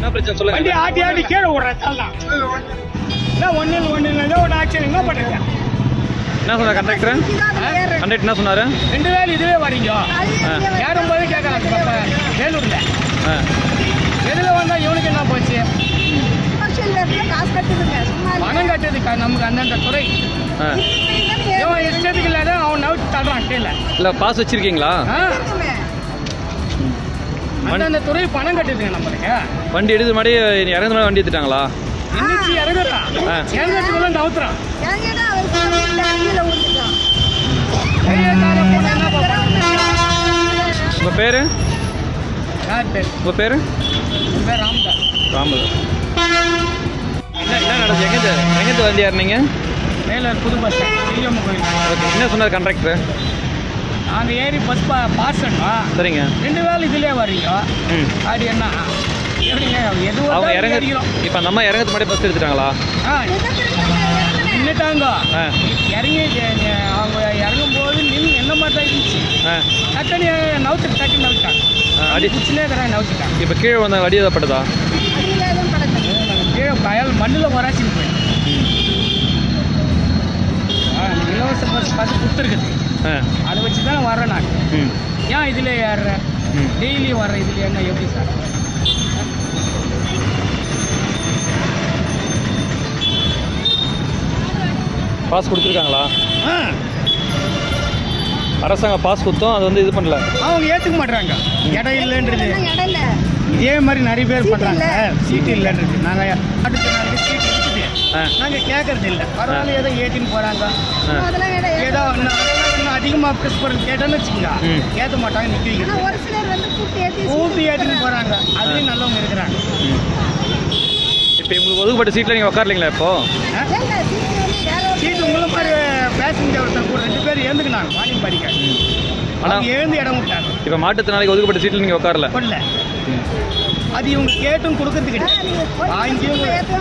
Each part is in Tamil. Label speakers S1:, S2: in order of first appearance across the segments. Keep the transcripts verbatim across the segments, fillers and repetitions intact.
S1: என்ன பிரச்சனை சொல்லுங்க.
S2: வண்டி ஆட்டி ஆட்டி கீழே விடுறதால தான். என்ன ஒன்று ஒன்று இல்லை ஒரு ஆக்சிடென்ட் என்ன பண்ணுங்க.
S1: என்ன சொன்னார் கண்டக்டர்? கண்டக்டர் என்ன சொன்னார்?
S2: ரெண்டு வேலை இதுவே வரீங்க ஏறும்போது கேட்கறாங்க இப்போ வேலூர்ல எதில் வந்தால் இவனுக்கு என்ன போச்சு? பணம் கட்டுறதுக்கா நமக்கு அந்தந்த துறை இவன் இஷ்டத்துக்கு இல்லாத அவன் நவுட்டு தடுறான் கீழே.
S1: இல்லை பாஸ் வச்சிருக்கீங்களா?
S2: அந்தந்த துறை பணம் கட்டுதுங்க நம்மளுக்கு.
S1: வண்டி எடுத்து மாதிரி இறங்குற மாதிரி வண்டி எடுத்துட்டாங்களா?
S2: இன்னைக்கு இறங்குறான் இறங்குறதுக்குள்ள நவுத்துறான்.
S1: உங்கள் பேர்?
S2: யார் பேர்?
S1: உங்கள் பேர்?
S2: உங்கள் பேர் ராமதாஸ்.
S1: ராமதாஸ். என்ன என்ன நடந்துச்சு? எங்கேருந்து எங்கேருந்து வண்டி ஏறினீங்க?
S2: மேலே புது பஸ் ஸ்டாண்ட் சிஎம் கோயில்.
S1: ஓகே. என்ன சொன்னார் கண்டக்டர்?
S2: நாங்கள் ஏறி பஸ் பா பாஸ் பண்ணோம்.
S1: சரிங்க.
S2: ரெண்டு வேலை இதுலேயே வர்றீங்க. ம் அப்படி என்ன எப்படிங்க எதுவும்
S1: அவங்க இறங்க இப்போ அந்த அம்மா இறங்கிறது முன்னாடி பஸ் எடுத்துட்டாங்களா?
S2: ஆ நின்றுட்டாங்க. இறங்கி அவங்க இறங்கும் போது நின்று என்ன மாதிரி தான் இருந்துச்சு. டக்குனு நவுத்து டக்குன்னு நவுத்தாங்க. அடி குச்சிலே இருக்கிறாங்க நவுத்திட்டாங்க.
S1: இப்போ கீழே வந்த அடி ஏதப்பட்டதா?
S2: கீழே பயல் மண்ணில் வராச்சின்னு போய் இலவச பஸ் பார்த்து கொடுத்துருக்குது. அதை வச்சு தான் வர்றேன் நான். ஏன் இதில் ஏறுறேன் டெய்லி வர்றேன் இதில் என்ன எப்படி சார்?
S1: பாஸ் கொடுத்துருக்காங்களா? அரசாங்கம் பாஸ் கொடுத்தோம் அது வந்து இது பண்ணல. அவங்க
S2: ஏற்றுக்க மாட்டுறாங்க. இடம் இல்லைன்றது இதே மாதிரி நிறைய பேர் பண்ணுறாங்க. சீட்டு இல்லைன்றது நாங்கள் அடுத்த நாளைக்கு சீட்டு இருக்குது நாங்கள் கேட்கறது இல்லை. பரவாயில்ல ஏதோ ஏற்றின்னு போகிறாங்க. ஏதோ இன்னும் அதிகமாக ப்ரெஸ் பண்ணுறது கேட்டோன்னு வச்சுக்கோங்க ஏற்ற மாட்டாங்க நிற்க வைக்கிறது. கூட்டி ஏற்றின்னு போகிறாங்க. அதுலேயும் நல்லவங்க இருக்கிறாங்க.
S1: இப்போ உங்களுக்கு ஒதுக்கப்பட்ட சீட்டில் நீங்கள் உட்காரலீங்களா? இப்போ
S2: சீட்டு உங்களை மாதிரி பேசஞ்சர் ஒருத்தர் கூட ரெண்டு பேர் எழுந்துக்கினாங்க மார்னிங் படிக்க. ஆனால் எழுந்து இடம் விட்டாங்க.
S1: இப்போ மாட்டுத்திறனாளிக்கு ஒதுக்கப்பட்ட சீட்டில் நீங்கள் உட்காரல?
S2: பண்ணல. அது இவங்க கேட்டும் கொடுக்கறது கிடையாது. வாங்கியும்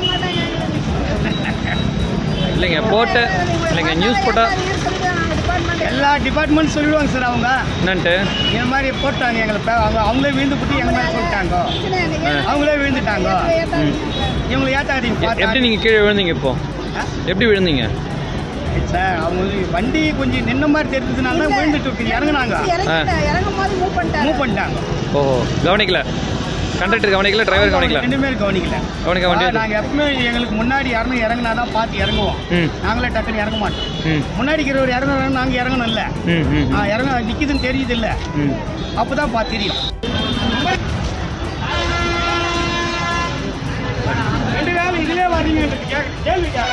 S1: இல்லைங்க போட்ட இல்லைங்க நியூஸ் போட்டால்
S2: எல்லா டிபார்ட்மெண்ட் சொல்லிடுவாங்க சார். அவங்க
S1: என்னன்ட்டு
S2: இந்த மாதிரி போட்டாங்க எங்களை அவங்க அவங்களே விழுந்து போட்டு எங்கள் மேலே சொல்லிட்டாங்க. அவங்களே விழுந்துட்டாங்க. இவங்களை ஏற்றாதீங்க.
S1: எப்படி நீங்கள் கீழே விழுந்தீங்க? இப்போ எப்படி விழுந்தீங்க
S2: சார்? அவங்க வண்டி கொஞ்சம் நின்ன மாதிரி தெரிஞ்சதுனால தான் விழுந்துட்டு இறங்குனாங்க. மூவ் பண்ணிட்டாங்க.
S1: ஓஹோ கவனிக்கல. கண்டக்டர் கவனிக்கல, டிரைவர் கவனிக்கல. ரெண்டு
S2: பேரும் கவனிக்கல.
S1: கவனிக்க வண்டி
S2: நாங்கள் எப்பவுமே எங்களுக்கு முன்னாடி யாருமே இறங்கினா தான் பார்த்து இறங்குவோம். நாங்களே டக்குன்னு இறங்க மாட்டோம். முன்னாடி இருக்கிறவர் இறங்குறாங்க நாங்கள் இறங்கணும் இல்லை. இறங்க நிற்கிதுன்னு தெரியுது இல்லை. அப்போ தான் பார்த்து தெரியும். ரெண்டு வேலை இதிலே வரீங்க கேள்வி